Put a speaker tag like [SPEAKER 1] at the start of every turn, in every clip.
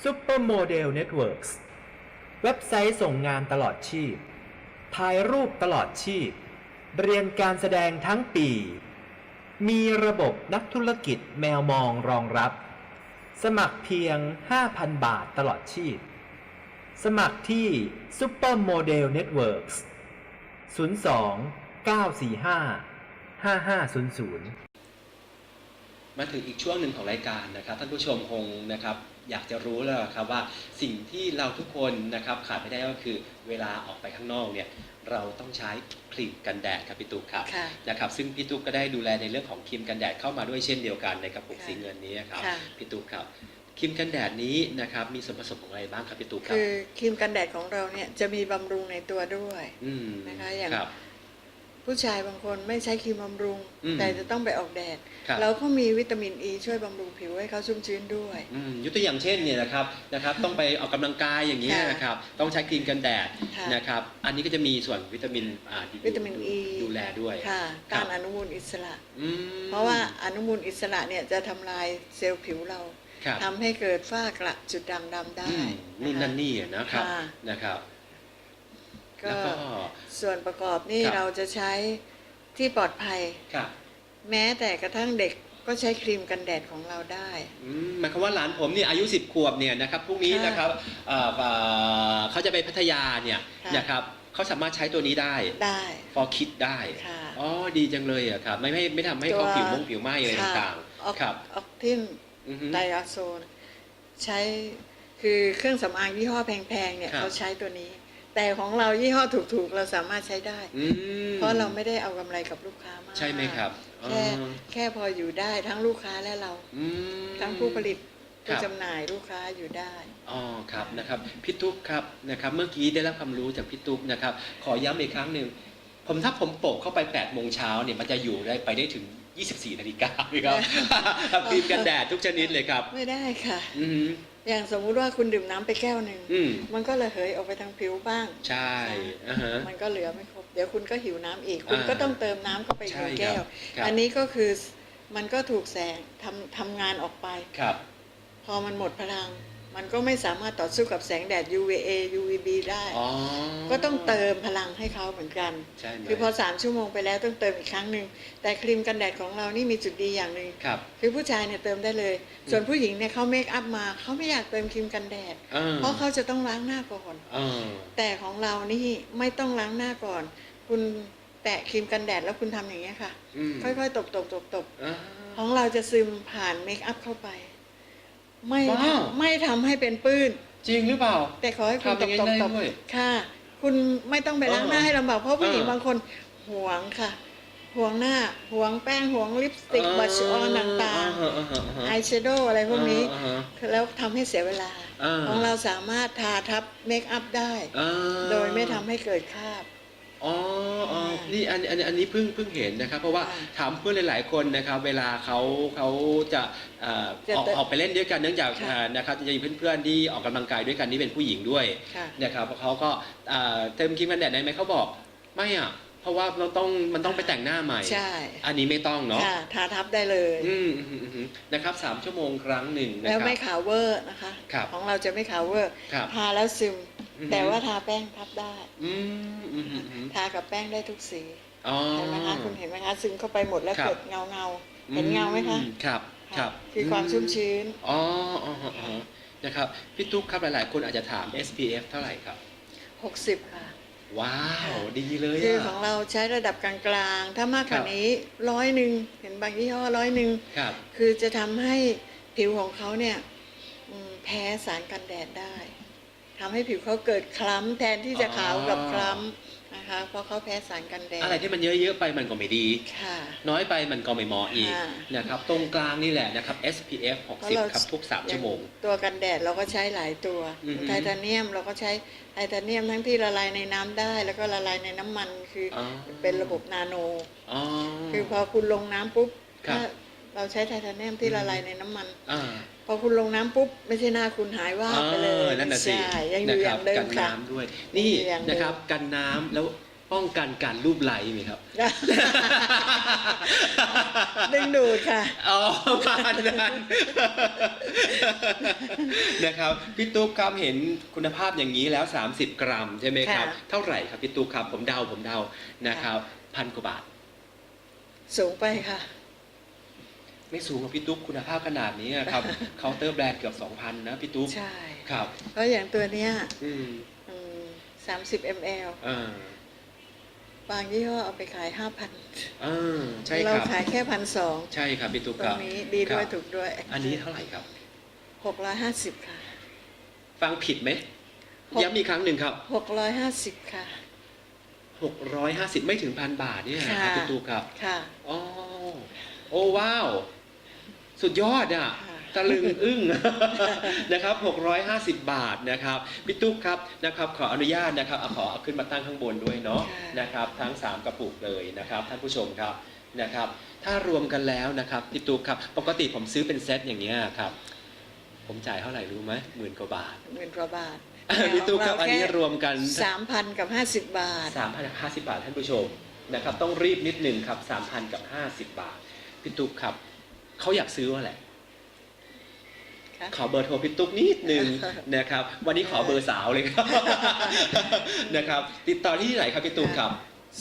[SPEAKER 1] Supermodel Networks เว็บไซต์ส่งงานตลอดชีพถ่ายรูปตลอดชีพเรียนการแสดงทั้งปีมีระบบนักธุรกิจแมวมองรองรับสมัครเพียง 5,000 บาทตลอดชีพสมัครที่ Supermodel Networks 02 945 5500
[SPEAKER 2] มาถึงอีกช่วงหนึ่งของรายการนะครับท่านผู้ชมคงนะครับอยากจะรู้แล้วครับว่าสิ่งที่เราทุกคนนะครับขาดไม่ได้ก็คือเวลาออกไปข้างนอกเนี่ยเราต้องใช้ครีมกันแดดครับพี่ตุ๊กครับนะครับซึ่งพี่ตุ๊กก็ได้ดูแลในเรื่องของครีมกันแดดเข้ามาด้วยเช่นเดียวกันในกระปุกสีเงินนี้ครับพี่ตุ๊กครับครีมกันแดดนี้นะครับมีส่วนผสมของอะไรบ้างครับพี่ตุ๊กครับ
[SPEAKER 3] คือครีมกันแดดของเราเนี่ยจะมีบำรุงในตัวด้วยนะคะอย่างผู้ชายบางคนไม่ใช้ครีมบำรุงแต่จะต้องไปออกแดดเราก็มีวิตามินอีช่วยบำรุงผิวให้เขาชุ่มชื้นด้วย
[SPEAKER 2] ยกตัวอย่างเช่นเนี่ยนะครับต้องไปออกกำลังกายอย่างนี้นะครับต้องใช้ครีมกันแดดนะครับอันนี้ก็จะมีส่วนวิตามินอีดูแลด้วย
[SPEAKER 3] ต้านอนุมูลอิสระเพราะว่าอนุมูลอิสระเนี่ยจะทำลายเซลล์ผิวเราทำให้เกิดฝ้ากระจุดด่างดำได้
[SPEAKER 2] นู่นนั่นนี่นะครับ
[SPEAKER 3] ก็ส่วนประกอบนี่เราจะใช้ที่ปลอดภัยแม้แต่กระทั่งเด็กก็ใช้ครีมกันแดดของเราได้
[SPEAKER 2] หมายความว่าหลานผมเนี่ยอายุ10 ขวบเนี่ยนะครับพรุ่งนี้นะครับเขาจะไปพัทยาเนี่ยนะครับเขาสามารถใช้ตัวนี้ได้for kids ได้อ๋อดีจังเลยอะครับไม่ทำให้เขาผิวไหม้อะไรต่าง
[SPEAKER 3] ๆครับออกทินไดอะโซนใช้คือเครื่องสำอางยี่ห้อแพงๆเนี่ยเขาใช้ตัวนี้แต่ของเรายี่ห้อถูกๆเราสามารถใช้ได้เพราะเราไม่ได้เอากำไรกับลูกค้ามาก
[SPEAKER 2] ใช่ไหมครับ
[SPEAKER 3] แค่พออยู่ได้ทั้งลูกค้าและเราทั้งผู้ผลิตผู้จำหน่ายลูกค้าอยู่ได้
[SPEAKER 2] อ๋อครับนะครับพี่ตุ๊กครับนะครับเมื่อกี้ได้รับความรู้จากพี่ตุ๊กนะครับขอย้ำอีกครั้งหนึ่งถ้าผมโปะเข้าไป8 โมงเช้าเนี่ยมันจะอยู่ได้ถึง24 นาฬิกาครับครีมกันแดดทุกชนิดเลยครับ
[SPEAKER 3] ไม่ได้ค่ะอย่างสมมุติว่าคุณดื่มน้ำไปแก้วหนึ่งมันก็ระเหยออกไปทางผิวบ้าง
[SPEAKER 2] ใช่
[SPEAKER 3] มันก็เหลือไม่ครบเดี๋ยวคุณก็หิวน้ำอีกคุณก็ต้องเติมน้ำเข้าไปในแก้วอันนี้ก็คือมันก็ถูกแสงทำงานออกไปพอมันหมดพลังมันก็ไม่สามารถต่อสู้กับแสงแดด UVA UVB ได้ก็ต้องเติมพลังให้เขาเหมือนกันคือพอ3 ชั่วโมงไปแล้วต้องเติมอีกครั้งหนึ่งแต่ครีมกันแดดของเรานี่มีจุดดีอย่างหนึ่งคือผู้ชายเนี่ยเติมได้เลยส่วนผู้หญิงเนี่ยเขาเมคอัพมาเขาไม่อยากเติมครีมกันแดดเพราะเขาจะต้องล้างหน้าก่อนแต่ของเรานี่ไม่ต้องล้างหน้าก่อนคุณแตะครีมกันแดดแล้วคุณทำอย่างนี้ค่ะค่อยๆตบของเราจะซึมผ่านเมคอัพเข้าไปไม่ทำให้เป็นปื้น
[SPEAKER 2] จริงหรือเปล่า
[SPEAKER 3] แต่ขอให้คุณตบค่ะคุณไม่ต้องไปล้างหน้าให้ลำบากเพราะผู้หญิงบางคนหวงค่ะหวงหน้าหวงแป้งหวงลิปสติกบัชออนต่างๆอายแชโดว์อะไรพวกนี้แล้วทำให้เสียเวลาของเราสามารถทาทับเมคอัพได้โดยไม่ทำให้เกิดคราบ
[SPEAKER 2] นี่อันนี้เพิ่งเห็นนะครับเพราะว่าถามเพื่อนหลายๆคนนะครับเวลาเขาจะออกไปเล่นด้วยกันเนื่องจากนะครับจะมีเพื่อนๆที่ออกกำลังกายด้วยกันนี่เป็นผู้หญิงด้วยนะครับเขาก็เติมครีมกันแดดได้ไหมเขาบอกไม่อ่ะเพราะว่ามันต้องไปแต่งหน้าใหม่
[SPEAKER 3] ใช่
[SPEAKER 2] อันนี้ไม่ต้องเนาะ
[SPEAKER 3] ทาทับได้เลย
[SPEAKER 2] นะครับ3 ชั่วโมงครั้งหนึ่ง
[SPEAKER 3] แล้วไม่ขาวเวอร์นะคะของเราจะไม่ขาวเวอร์ทาแล้วซึมแต่ว่าทาแป้งทับได้ทากับแป้งได้ทุกสีเห็นไหมคะคุณเห็นไหมคะซึมเข้าไปหมดแล้วเกิดเงาเห็นเงาไหมคะ
[SPEAKER 2] ครับ
[SPEAKER 3] คือความชุ่มชื้น
[SPEAKER 2] นะครับพี่ตุ๊กครับหลายๆคนอาจจะถาม SPF เท่าไหร่ครับ
[SPEAKER 3] 60ค่ะ
[SPEAKER 2] ว้าวดีเลย
[SPEAKER 3] คือของเราใช้ระดับกลางๆถ้ามากกว่านี้100เห็นบางยี่ห้อ100คือจะทำให้ผิวของเขาเนี่ยแพ้สารกันแดดได้ทำให้ผิวเขาเกิดคล้ำแทนที่จะขาวกับคล้ำนะคะเพราะเขาแพ้สารกันแดด
[SPEAKER 2] อะไรที่มันเยอะๆไปมันก็ไม่ดีน้อยไปมันก็ไม่เหมาะอีกนะครับตรงกลางนี่แหละนะครับ SPF 60ครับทุก3 ชั่วโมง
[SPEAKER 3] ตัวกันแดดเราก็ใช้หลายตัวไทเทเนียมเราก็ใช้ไทเทเนียมทั้งที่ละลายในน้ำได้แล้วก็ละลายในน้ำมันคือเป็นระบบนาโนคือพอคุณลงน้ำปุ๊บเราใช้ไทเทเนียมที่ละลายในน้ำมันพอคุณลงน้ำปุ๊บไม่ใช่หน้าคุณหายว่าไปเลย
[SPEAKER 2] นั่นน่ะสิ
[SPEAKER 3] ยังอยู่อย่างเดิม
[SPEAKER 2] กันน้ำด้วยนี่นะครับกันน้ำแล้วป้องกันการรูปไล้ไหมครับ
[SPEAKER 3] ดึงดูดค่ะ
[SPEAKER 2] อ๋อประมาณนั้นนะครับพี่ตุ๊กครับเห็นคุณภาพอย่างนี้แล้ว30 กรัมใช่ไหมครับ
[SPEAKER 3] ค่ะ
[SPEAKER 2] เท่าไหร่ครับพี่ตุ๊กครับผมเดานะครับ1,000 กว่าบาท
[SPEAKER 3] สูงไปค่ะ
[SPEAKER 2] ไม่สูงกว่าพี่ตุ๊กคุณภาพขนาดนี้ครับ เคาน์เตอร์แบรนด์เกือบ 2,000 นะพี่ตุ๊ก
[SPEAKER 3] ใช่
[SPEAKER 2] ครับ
[SPEAKER 3] เพราะอย่างตัวเนี้ย
[SPEAKER 2] อืม
[SPEAKER 3] 30 ml บางยี่ห้อเอาไปขาย 5,000
[SPEAKER 2] ใช่
[SPEAKER 3] เรา
[SPEAKER 2] ครับ
[SPEAKER 3] ขายแค่ 1,200
[SPEAKER 2] ใช่ครับพี่ตุ๊ก
[SPEAKER 3] ต
[SPEAKER 2] ค
[SPEAKER 3] ร
[SPEAKER 2] รั
[SPEAKER 3] ง
[SPEAKER 2] บ
[SPEAKER 3] นี้ดีด้วย
[SPEAKER 2] ครับ
[SPEAKER 3] ถูกด้วย
[SPEAKER 2] อันนี้เท่าไหร่ครับ
[SPEAKER 3] 650 ค่ะ
[SPEAKER 2] ฟังผิดไหมย้ำอีกครั้งหนึ่งครับ
[SPEAKER 3] 650 ค่ะ
[SPEAKER 2] 650 ไม่ถึง1,000 บาทเนี่ยนะครับ
[SPEAKER 3] ค่ะ
[SPEAKER 2] พี่ตุ๊กครับ
[SPEAKER 3] ค่ะ
[SPEAKER 2] อ๋อโอ้ว้าว สุดยอดอ่ะ
[SPEAKER 3] ค่ะ
[SPEAKER 2] ตะลึงอึ้ง นะครับ650 บาทนะครับพี่ตุ๊กครับนะครับขออนุญาตนะครับขอเอาขึ้นมาตั้งข้างบนด้วยเนาะนะครับทั้ง3กระปุกเลยนะครับท่านผู้ชมครับนะครับถ้ารวมกันแล้วนะครับพี่ตุ๊กครับปกติผมซื้อเป็นเซตอย่างเงี้ยครับผมจ่ายเท่าไหร่รู้ไหม10,000 กว่าบาท
[SPEAKER 3] 10,000 กว่าบาท
[SPEAKER 2] พี่ตุ๊กครับอันนี้รวมกัน
[SPEAKER 3] 3,000 กับ 50 บาท
[SPEAKER 2] 3,050 บาทท่านผู้ชมนะครับต้องรีบนิดหนึ่งครับ 3,000 กับ 50 บาทพี่ตุ๊กครับเขาอยากซื้อว่าแหละ
[SPEAKER 3] ค่ะ
[SPEAKER 2] ขอเบอร์โทรพี่ตุ๊กนิดนึงนะครับวันนี้ขอเบอร์สาวเลยครับ นะครับติดต่อที่ไหนครับพี่ตุ๊กครับ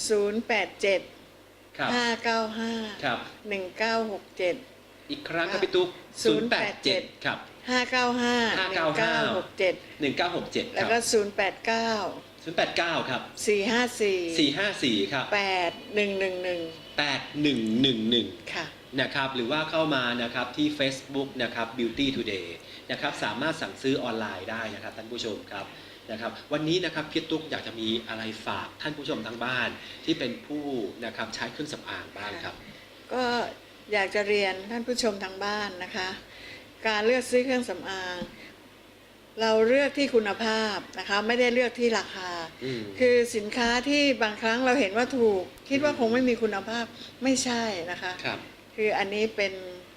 [SPEAKER 3] 087
[SPEAKER 2] ครับ
[SPEAKER 3] 595
[SPEAKER 2] ครับ
[SPEAKER 3] 1967
[SPEAKER 2] อีกครั้งครับพี่ตุ๊ก087ครับ
[SPEAKER 3] 595 1967
[SPEAKER 2] 1967
[SPEAKER 3] แล้ว
[SPEAKER 2] ค
[SPEAKER 3] ก็
[SPEAKER 2] รับ 089ครับ
[SPEAKER 3] 089 454
[SPEAKER 2] 454ครับ
[SPEAKER 3] 8111
[SPEAKER 2] 8111
[SPEAKER 3] ค่ะ
[SPEAKER 2] นะครับหรือว่าเข้ามานะครับที่ Facebook นะครับ Beauty Today นะครับสามารถสั่งซื้อออนไลน์ได้นะครับท่านผู้ชมครับนะครับวันนี้นะครับพี่ตุ๊กอยากจะมีอะไรฝากท่านผู้ชมทางบ้านที่เป็นผู้นะครับใช้เครื่องสำอางบ้างครับ
[SPEAKER 3] ก็อยากจะเรียนท่านผู้ชมทางบ้านนะคะ การเลือกซื้อเครื่องสำอาง เราเลือกที่คุณภาพนะคะไม่ได้เลือกที่ราคา คือสินค้าที่บางครั้งเราเห็นว่าถูก คิดว่าคงไม่มีคุณภาพไม่ใช่นะคะ
[SPEAKER 2] ครับ
[SPEAKER 3] คืออันนี้เป็น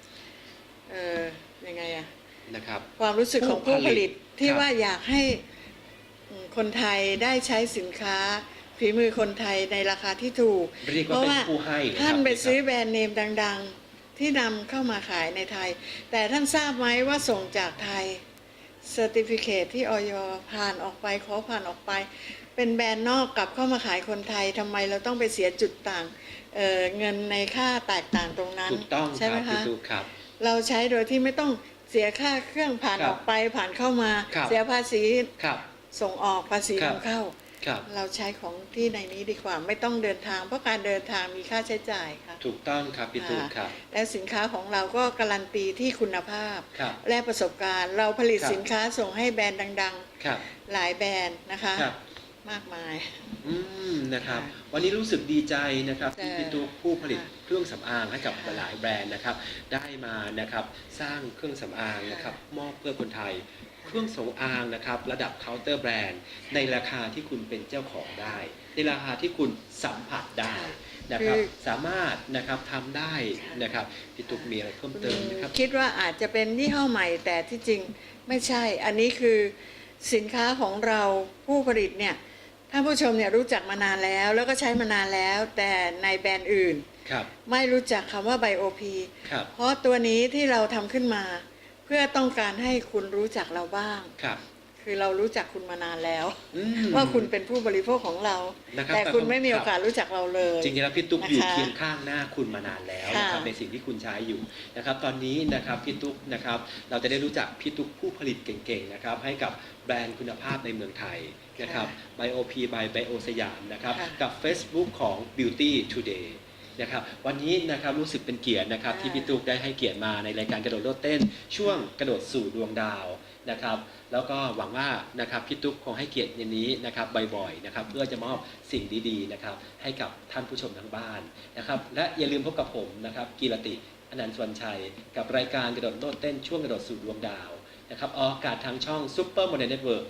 [SPEAKER 3] ยังไงอะ
[SPEAKER 2] นะครับ
[SPEAKER 3] ความรู้สึกของผู้ผลิตที่
[SPEAKER 2] ครับ
[SPEAKER 3] ว่าอยากให้คนไทยได้ใช้สินค้าฝีมือคนไทยในราคาที่ถูก
[SPEAKER 2] เรียกว่าเป็นผู้ให้เลยครับ
[SPEAKER 3] ท่านไปซื้อ
[SPEAKER 2] ครับ
[SPEAKER 3] แบรนด์เนมดังๆ ที่นำเข้ามาขายในไทย แต่ท่านทราบไหมว่าส่งจากไทยเซอร์ติฟิเคตที่อย.ผ่านออกไปขอผ่านออกไป เป็นแบรนด์นอกกลับเข้ามาขายคนไทยทำไมเราต้องไปเสียจุดต่างเงินในค่าแตกต่างตรงนั้น
[SPEAKER 2] ถูกต้อง
[SPEAKER 3] ใช่
[SPEAKER 2] ค
[SPEAKER 3] ไหม
[SPEAKER 2] รับพี่
[SPEAKER 3] คะ
[SPEAKER 2] ตุ๊กครับ
[SPEAKER 3] เราใช้โดยที่ไม่ต้องเสียค่าเครื่องผ่าน
[SPEAKER 2] ครับ
[SPEAKER 3] ออกไปผ่านเข้ามา
[SPEAKER 2] ครับ
[SPEAKER 3] เสียภาษี
[SPEAKER 2] ครับ
[SPEAKER 3] ส่งออกภาษี
[SPEAKER 2] ครับ
[SPEAKER 3] นำเข้า
[SPEAKER 2] ครับ
[SPEAKER 3] เราใช้ของที่ในนี้ดีกว่าไม่ต้องเดินทางเพราะการเดินทางมีค่าใช้จ่ายค่ะ
[SPEAKER 2] ถูกต้องครับพี่ตุ๊กครับ
[SPEAKER 3] และสินค้าของเราก็การันตีที่คุณภาพ
[SPEAKER 2] ครับ
[SPEAKER 3] และประสบการณ์ เราผลิต
[SPEAKER 2] ครับ
[SPEAKER 3] สินค้าส่งให้แบรนด์ดัง
[SPEAKER 2] ครับ
[SPEAKER 3] ๆ หลายแบรนด์นะคะ
[SPEAKER 2] ครับ
[SPEAKER 3] มากมาย
[SPEAKER 2] นะครับ
[SPEAKER 3] ค่ะ
[SPEAKER 2] วันนี้รู้สึกดีใจนะครับ
[SPEAKER 3] แต่
[SPEAKER 2] ที่พี่ตุ๊กผู้ผลิต
[SPEAKER 3] ค่ะ
[SPEAKER 2] เครื่องสำอางให้กับ
[SPEAKER 3] ค่ะ
[SPEAKER 2] หลายๆแบรนด์นะครับ ได้มานะครับสร้างเครื่องสำอางนะครับมอบเพื่อคนไทย เครื่องสำอางนะครับระดับเคาน์เตอร์แบรนด์ในราคาที่คุณเป็นเจ้าของได้ ในราคาที่คุณสัมผัสได้นะครับ สามารถนะครับทำได้นะครับพี่ตุ๊กมีอะไรเพิ่มเติมนะครับ
[SPEAKER 3] คิดว่าอาจจะเป็นยี่ห้อใหม่แต่ที่จริงไม่ใช่ อันนี้คือสินค้าของเราผู้ผลิตเนี่ยท่านผู้ชมเนี่ยรู้จักมานานแล้วก็ใช้มานานแล้ว แต่ในแบรนด์อื่น
[SPEAKER 2] ครับ
[SPEAKER 3] ไม่รู้จักคำว่าไบโอพี
[SPEAKER 2] ครับ
[SPEAKER 3] เพราะตัวนี้ที่เราทำขึ้นมา เพื่อต้องการให้คุณรู้จักเราบ้าง
[SPEAKER 2] ครับ
[SPEAKER 3] คือเรารู้จักคุณมานานแล้ว
[SPEAKER 2] อืม
[SPEAKER 3] ว่าคุณเป็นผู้บริโภคของเรา
[SPEAKER 2] นะครับ
[SPEAKER 3] แต่คุณไม่มี
[SPEAKER 2] ครับ
[SPEAKER 3] โอกาสรู้จักเราเลย
[SPEAKER 2] จริงๆแล้วพี่ตุ๊กอยู่
[SPEAKER 3] นะคะ
[SPEAKER 2] เคียงข้างหน้าคุณมานานแล้วนะครับ
[SPEAKER 3] ค่ะ
[SPEAKER 2] ในสิ่งที่คุณใช้อยู่นะครับตอนนี้นะครับพี่ตุ๊กนะครับเราจะได้รู้จักพี่ตุ๊กผู้ผลิตเก่งๆนะครับให้กับแบรนด์คุณภาพในเมืองไทยนะครับ BioP by Bio สยามนะครับ
[SPEAKER 3] ค่ะ
[SPEAKER 2] กับ Facebook ของ Beauty Today นะครับวันนี้นะครับรู้สึกเป็นเกียรตินะครับ
[SPEAKER 3] ค่ะ
[SPEAKER 2] ที่พี่ตุ๊กได้ให้เกียรติมาในรายการกระโดดโลดเต้น ช่วงกระโดดสู่ดวงดาวนะครับแล้วก็หวังว่านะครับพี่ตุ๊กคงให้เกียรติอย่างนี้นะครับบ่อยๆนะครับเพื่อจะมอบสิ่งดีๆนะครับให้กับท่านผู้ชมทางบ้านนะครับและอย่าลืมพบกับผมนะครับกีรติอนันต์สวรรณชัยกับรายการกระโดดโลดเต้นช่วงกระโดดสู่ดวงดาวนะครับออกอากาศทางช่อง Super Modern Network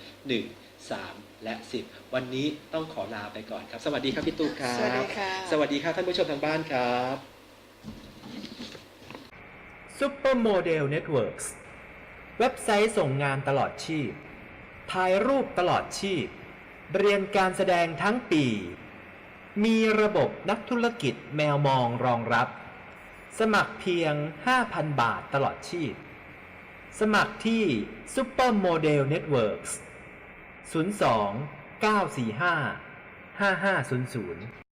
[SPEAKER 2] 1 3 และ 10 วันนี้ต้องขอลาไปก่อนครับสวัสดีครับพี่ตุ๊กครับ
[SPEAKER 3] สวัสดีค่ะ
[SPEAKER 2] สวัสดีครับท่านผู้ชมทางบ้านครับ
[SPEAKER 1] Supermodel Networks เว็บไซต์ส่งงานตลอดชีพ ถ่ายรูปตลอดชีพ เรียนการแสดงทั้งปีมีระบบนักธุรกิจแมวมองรองรับสมัครเพียง 5,000 บาทตลอดชีพสมัครที่ Supermodel Networks 02 945 5500